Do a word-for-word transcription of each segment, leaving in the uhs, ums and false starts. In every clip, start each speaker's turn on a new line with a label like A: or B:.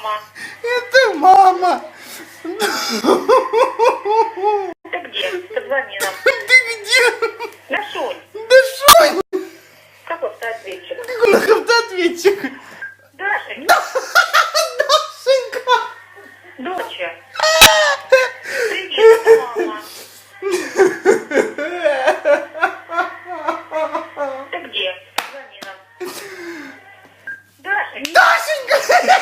A: мама.
B: Это мама.
A: Ты где? Позвони нам.
B: Ты где?
A: Да, Шунь.
B: Да Шунь.
A: Какой автоответчик?
B: Какой автоответчик?
A: Дашенька.
B: Дашенька.
A: Доча. Привет, это мама. Ты где? Позвони нам. Дашенька.
B: Дашенька.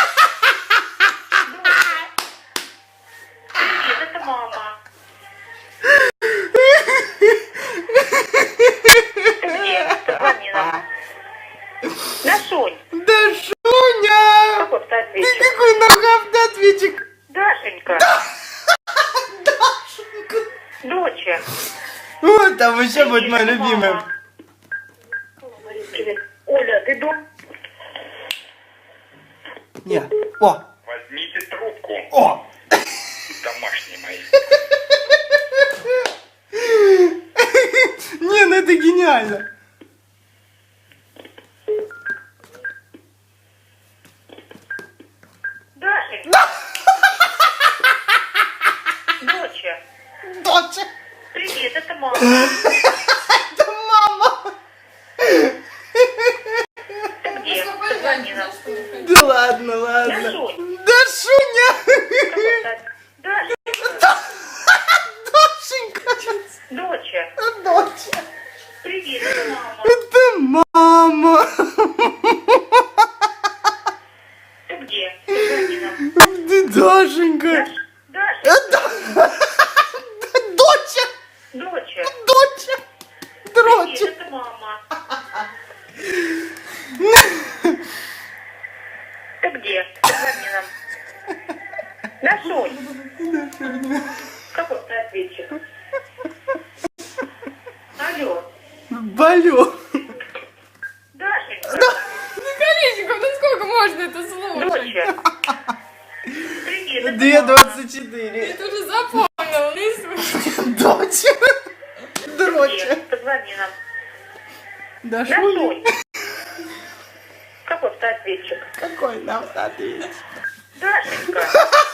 A: Привет, это мама. Ты где? Позвони нам. Да, Шунь.
B: Да Шуня.
A: Какой
B: Ты
A: автоответчик?
B: какой нахуй автоответчик?
A: Дашенька.
B: Дашенька.
A: Доча.
B: Вот там еще будет
A: Привет,
B: моя
A: это
B: любимая.
A: мама. Говорит, привет. Оля, ты дома?
B: Не. О.
C: Возьмите трубку,
B: О.
C: домашний мои.
B: Не, ну это гениально.
A: Дашенька. Доча.
B: Доча.
A: Привет, это мама.
B: Это мама.
A: Ты где? Позвони нам.
B: Да ладно,
A: Да,
B: ладно.
A: Шунь.
B: Да Шуня.
A: Какой автоответчик? Дашенька.
B: Дашенька.
A: Доча.
B: Доча.
A: Привет, это мама.
B: Это мама.
A: Ты где? Позвони нам.
B: Ты Дашенька.
A: Даша.
B: Доча.
A: Доча.
B: Доча.
A: Привет,
B: Дроча.
A: это мама. Ты где? Позвони нам. Да, Шунь. Какой автоответчик? Алло.
B: Болю.
A: Дашенька.
D: Колесников, ну сколько можно это слушать?
A: Доча. Привет, это
B: Две
A: мама.
B: двадцать четыре.
D: Это уже запомнил, не слушай.
B: Доча. Дроча.
A: Привет, позвони нам.
B: Да
A: Да,
B: Шуня.
A: Шунь. Какой автоответчик?
B: Какой нам ответить?
A: Дашенька.